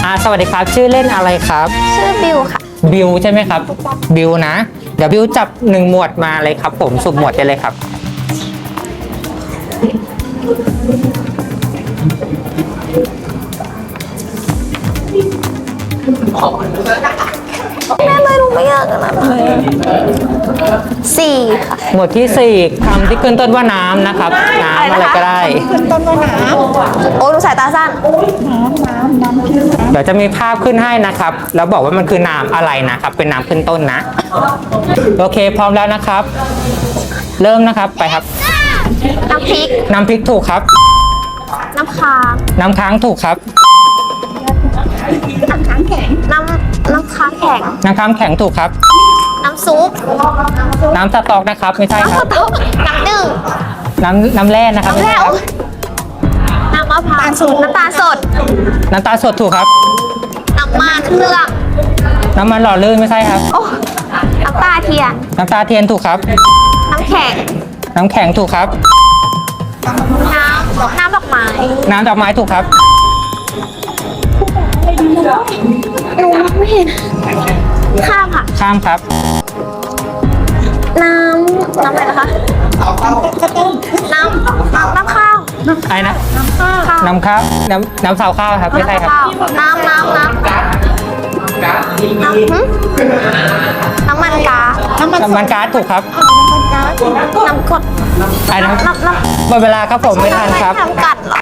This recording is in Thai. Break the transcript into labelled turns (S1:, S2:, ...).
S1: สวัสดีครับชื่อเล่นอะไรครับ
S2: ชื่อบิวค่ะ
S1: บิวใช่ไหมครับบิวนะเดี๋ยวบิวจับ1 หมวดมาเลยครับผมสุ่มหมวดได้เลยครับ
S2: แม่ไม่รู้ไม่ยากนะสี่ค่ะ
S1: หมวดที่4คำที่ขึ้นต้นว่าน้ำนะครับน้ำอะไรก็ได้
S3: ขึ้นต้นว่าน้ำ
S2: โอ้ดูสายตาสั้น
S3: น้ำขึ้น
S1: เดี๋ยวจะมีภาพขึ้นให้นะครับ แล้วบอกว่ามันคือน้ำอะไรนะครับ เป็นน้ำขึ้นต้นนะ โอเคพร้อมแล้วนะครับ เริ่มนะครับไปครับ
S2: น้ำพริก
S1: น้ำพริกถูกครับ
S2: น้ำค้าง
S1: น้ำค้างถูกครับ
S3: น้ำค้างแข็ง
S2: น้ำค้างแข็ง
S1: น้ำค้างแข็งถูกครับ
S2: น้ำซุป
S1: น้ำสต๊อกนะครับไม่ใช่ครับ
S2: น้ำดื่ม
S1: น้ำแร่นะครับ
S2: น้ำ
S1: ไม่
S2: แร่
S1: ใช่ครับ
S2: น้ำมะพร้าวน้ำตาลสด
S1: น้ำตาลสดถูกครับ
S2: น้ำมันเครื่อง
S1: น้ำมันหล่อลื่นไม่ใช่ครับ
S2: โอ้น้ำตาเทียน
S1: น้ำตาเทียนถูกครับ
S2: น้ำแข็ง
S1: น้ำแข็งถูกครับ
S2: น้ำดอกไม้
S1: น้ำดอกไม้ถูกครับ
S2: หนูไม่เห็น ข้ามค่ะ
S1: ข้ามครับ
S2: น้ำอะไรนะคะ น้ำข้าว
S1: ไอ้นะ
S2: ข้าว
S1: น้ำข้าวน้ำสาวข้าวครับไม่ใช่ครับ
S2: น้ำมันก๊าซ
S3: น้ำมัน
S1: น้ำมันก๊าซถูกครับ
S3: น้ำมันก๊าซ
S2: น้ำกรด
S1: ไอ้นะครับ
S2: น้ำ
S1: หมดเวลาครับผมไม่ทันครับ
S2: น้ำกัดเหรอ